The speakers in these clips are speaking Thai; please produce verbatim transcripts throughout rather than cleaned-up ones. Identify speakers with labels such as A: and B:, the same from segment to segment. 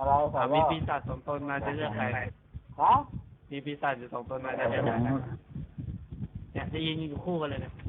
A: อะไรสา
B: อ่ะ
A: ว
B: มี
A: ว่า
B: ปีศาจสองตนมาจะเลือกใคร
A: ฮะ
B: มีปีศาจอยู่สองตนมาจะเลือกใครเนี่ยจะยืนอยู่คู่กันเลยเนี่ย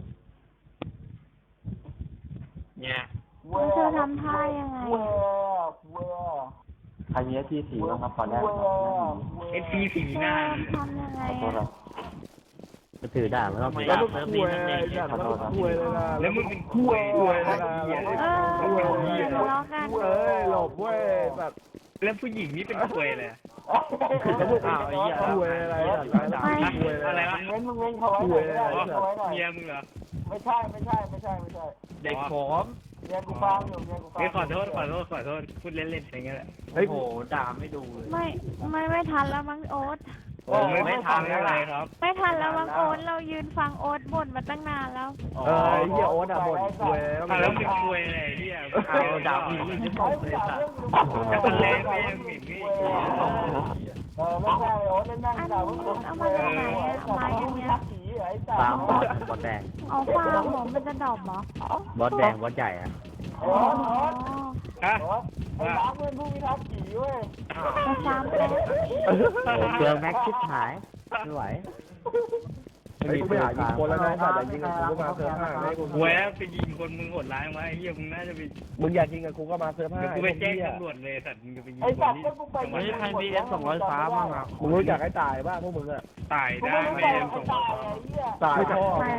B: เนี่ย
C: แล้วเธอทำท่ายังไง
A: เว้ยเว้ย
D: ใครมีเอสพีสีบ้างครับขอแรกครับ
C: เอฟซีสีหน้าทำยังไง
D: ขอโทษค
C: อ่ะ
D: รับก็ถือด่ามันต้อง
B: ทำไม
D: แล้
B: อ่ะ
D: ว
B: เซิร์ฟนี้มันเด็กเนี่ย
E: แล้วมึงคุยเลยนะ
A: แล้วมึงเป็นคุยเลยนะ
C: เอออย่าทะเลาะกัน
E: เอ้ยหลบเว้ยแบบ
A: แล้วผู้หญิงนี่เป็นคุยเลย
B: อ้าวไอ้เหี้ย
E: คุยอะไรอ่ะคุยอะไร
A: อะไรวะ
E: วะ
A: มึงเว้นมึงเว้นเขาไว้หน่อยไม่ได้เขาไว้หน่อย
F: เมียมึงเหรอ
A: ไม่ใช่ไม่ใช่ไม่ใช่ไม่ใช่
B: เด็กผม
A: เมียกูฟังอยู่เมียกูฟัง
F: เฮ้ยขอโทษขอโทษขอโทษพูดเล่นๆอย่างเงี้ยแหละ
B: โอ้โหด่าไม่ดูเลย
C: ไม่ไม่ไม่ทันแล้วมั้งโอ๊ต
F: โอ้ไม่ไม่ทันอะไรครับ
C: ไม่ทันแล้วมั้งโอ๊ตเรายืนฟังโอ๊ตบ่นมาตั้งนานแล้ว
E: เออไอ้เหี้ยโอ๊ตอ่ะบ่นคุย
F: อ่ะแล้วมึงคุยอะไรที่อ่ะ
B: เอาด่าผู้หญิงที่ผมเลยสัตว์
F: จะเป็นแรงไปยังหมิ่นนี่
A: เออไม่ใช่โอ๊ตเล่นนั่งด่าพวกมึง
C: เอามาจากไหนอะไม้อันเนี้ย
A: ผีไอ้สัต
D: ฟาร์ม
A: ว์
D: บอสบอสแดง
C: เอาฟางผมมันจะดอบเหรอบ
D: อสแดงบอสใหญ่อะ
A: โอ๊ตโอ๊ต
F: ฮะ
A: โอ๊ตไอ้ร้านเพื่อนผู้พิทักษ์ผีเว้ย
C: ไปฟาร์มแป๊บ
D: โอ้เปลืองแม็กชิบหายไม่ไหว
E: ไอ้กูไปหายิงคนแล้วนะแต่อย่ายิงกับกูก็มาเซิร์ฟห้าให้กู
F: เว้ยไปยิงคนมึงโหดร้ายมาไอ้เหี้ยมึงน่าจะไป
E: มึงอยากยิงกับกูก็มาเซิร์ฟห้า
F: เดี๋ยวกูไปแจ้งตำรวจเลยสัตว์มึงจะไปยิง
A: ไอ้
F: ค
A: สั
F: น
A: ตว์
F: ที่
A: ก็กูไป
F: จังหวัด
B: เฮ้ยใครมีเอสสองร้อยฟ้าบ้างอ่ะ
E: มึงรู้จักไอ้ตายบ้างพวกมึงอ่ะ
F: ตาย
A: กู
F: ได้
A: ไม่
F: ไหม
A: ได้
F: เอ็ม
A: ไป
F: ส่ง
A: ตายไอ้เหี้ย
E: ตายพ่อ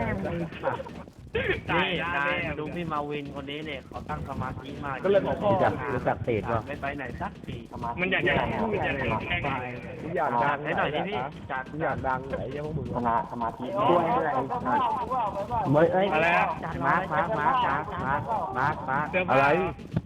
F: ตาย
B: นี่
F: ได้
B: นาย
F: แน่
B: ดูพี่มาวินคนนี้เนี่ยเขาตั้งสมาธิมาก
E: ก็เลยบอกพ่อ
D: รู้จักรู้จักเตะป่ะ
B: ไม่ไปไหนสักที
F: มันอยากจะมันอยากจะแข่ง
E: กูอยากดัง
B: ให้หน่อยดิพี่จัด
E: กูอยากดังไอ้เหี้ยพวกมึง
D: สมาสมาธิ
A: โอ๊
D: ด้วย
A: ต
D: อะไร
A: ไอ้สัตว์
D: เมื่อเอ้ย
F: อะไรอะ
D: มาร์คมาร์คมาร์คมาร์คมาร์คมาร์ค
F: เสื้อ
E: อะ
F: ผ้า
E: ไร